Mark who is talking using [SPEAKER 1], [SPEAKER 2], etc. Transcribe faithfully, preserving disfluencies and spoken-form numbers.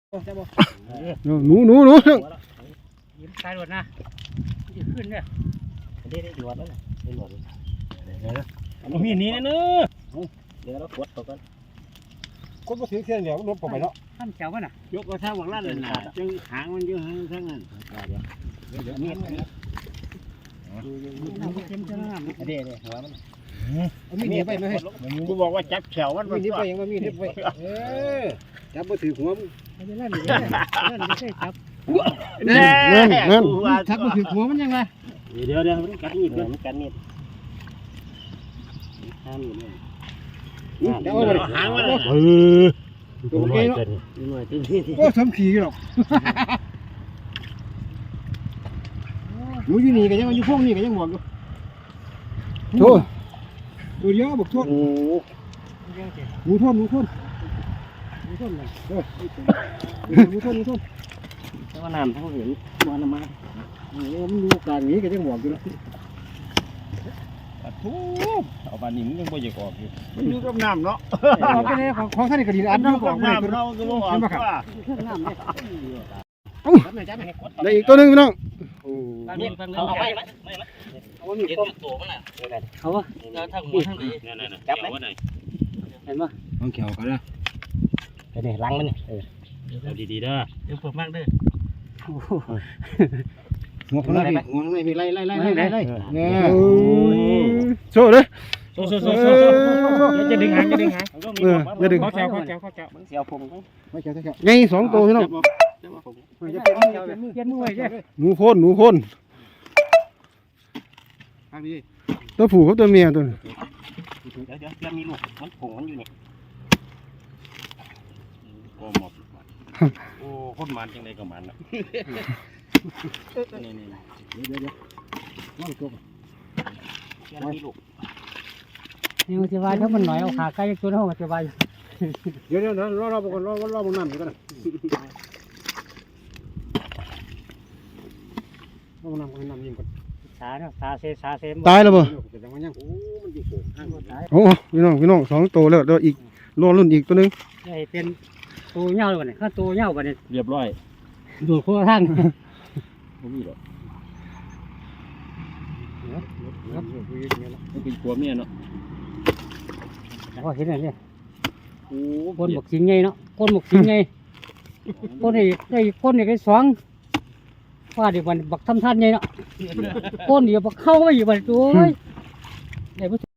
[SPEAKER 1] หนูหนูหนู
[SPEAKER 2] ยิ้มตายหมดนะจะขึ้นเนี่ย
[SPEAKER 3] ได้ได้หลวดแล้วนะได้หลวดเดี๋ยว
[SPEAKER 2] มันมีนี้นะเนอะ
[SPEAKER 3] เดี๋ยวเรากดเขากัน
[SPEAKER 1] คนมาถือเทียนเดี๋ยวรถผมไปเนาะ
[SPEAKER 2] ท่านเจ้าว่ะน่ะ
[SPEAKER 3] ยกกระทั่งหวังลั่นเลยนะจังหางมันเยอะทั้งนั้นเดี๋ยวเดี๋ยวเดี๋ยวนี่
[SPEAKER 2] เต็มเต็มน้ำ
[SPEAKER 3] เดี๋ยวเดี๋ยวหัวมัน
[SPEAKER 1] มีนี่ไปไหม
[SPEAKER 3] กูบอกว่าจับแขวมัน
[SPEAKER 1] มีนี่ไปยังว่ามีนี่ไปเออจับมาถือหัวมึง
[SPEAKER 2] ไม่ได้เล่นเลยเล่นไม่ใช่จับ
[SPEAKER 3] เงี้ยเงี้ย
[SPEAKER 1] จับมาถือหัวมันยังไง
[SPEAKER 3] เดี๋ยวเดี๋ยวมันกัดมีดมันกัดมีดห้ามอยู่เนี่ย
[SPEAKER 1] เดี๋ยวเอาไป
[SPEAKER 3] หางมัน
[SPEAKER 1] เออโอเคเนาะโอ้สมขี่หรอกหนูอยู่นี่กันยังอยู่พวกนี้กันยังหมดอยู่โถ่ตัวเดียวบอกโทษหนูโทษหนูโทษหนูโทษเลยหนูโทษหนูโทษ
[SPEAKER 3] แต่ว่าน้ำทั้งเห็นมันมา
[SPEAKER 1] มันดูการนี้กันยังหมดอยู่แล้ว
[SPEAKER 3] ทุบเอาปลาหนิมยังบ่อยากออกอยู่มันอยู่กับน้ำเนาะ
[SPEAKER 1] เอาไปเลยของท่านกระดิ่งอันนั้นของ
[SPEAKER 3] น้ำเราก็บ่ออกว่า
[SPEAKER 1] ได้อีกตัวนึงพี่น้อง
[SPEAKER 3] เอาไปเอามีต้มตัวมันน่ะ
[SPEAKER 2] เขาว่าเราทั้งหมดทั้งนี้
[SPEAKER 3] จับไหม
[SPEAKER 2] เห็นป่ะ
[SPEAKER 1] น้องเขียวกันนะ
[SPEAKER 3] ไปนี่ล้างมันนี่เออเอาดีๆเด้อ
[SPEAKER 2] เดี๋ยวผมมากเด้อ
[SPEAKER 1] หัวข้างในหัวข้างในมีไล่ไล่ไล่ไล่ไล่ไล่เนี่ยโซ่เลย
[SPEAKER 2] โซ่โซ่โซ่โซ่จะดึงหางจะดึงหาง
[SPEAKER 1] เออจะดึง
[SPEAKER 2] ข้อแถวข้อแถวข้อแถว
[SPEAKER 3] มันเสียวผม
[SPEAKER 1] ไม่เขียวไม่เขียวไงสองตัวพี่น้อง
[SPEAKER 2] เปลี่ยนมือไว้ใช่
[SPEAKER 1] หนูโคนหนูโคนตัวผู้กับตัวเมียตัวนี้
[SPEAKER 3] เดี๋ยวเดี๋ยวจะมีลูกมันผงมันอยู่นี่โอ้หมดโอ้คนมันจังไดก็มันนะนี่นี่
[SPEAKER 1] เดี๋ยวเดี๋ยวน้องตัว
[SPEAKER 3] ยังมีลูก
[SPEAKER 2] นี่มันจะวายถ้ามันหน่อยเอาขาใกล้ตัวน้องจะวาย
[SPEAKER 1] เดี๋ยวเดี๋ยวรอรอก่อนรอรอบนน้ำกันนะรอบนน้ำกันน้ำยิงก่อน
[SPEAKER 2] สาเนาะสาเซสาเซม
[SPEAKER 1] ตายแล้วบ่
[SPEAKER 3] โอ้มันอยู่โผล่ข้างตาย
[SPEAKER 1] โอ้พี่น้องพี่น้องสองตัวแล้วเดี๋ยวอีกรอรุ่นอีกตัวนึง
[SPEAKER 2] นี่เป็นตัวเหี่ยวเลยเนี่ยถ้าตัวเหี่ยวกันเนี่ย
[SPEAKER 3] เรียบร้อย
[SPEAKER 2] ดูขั้วท่าน
[SPEAKER 3] ไม่มีหรอกมันเป็นขัวเมียเนาะ
[SPEAKER 2] ก็เห็นอะไรเนี่ยโอ้คนบกชิงไงเนาะคนบกชิงไงคนนี่ได้คนนี่ก็สองว่าเดี๋ยวมันบักทำท่านไงเนาะคนเดียวบักเข้าไม่อยู่บัดตัวได้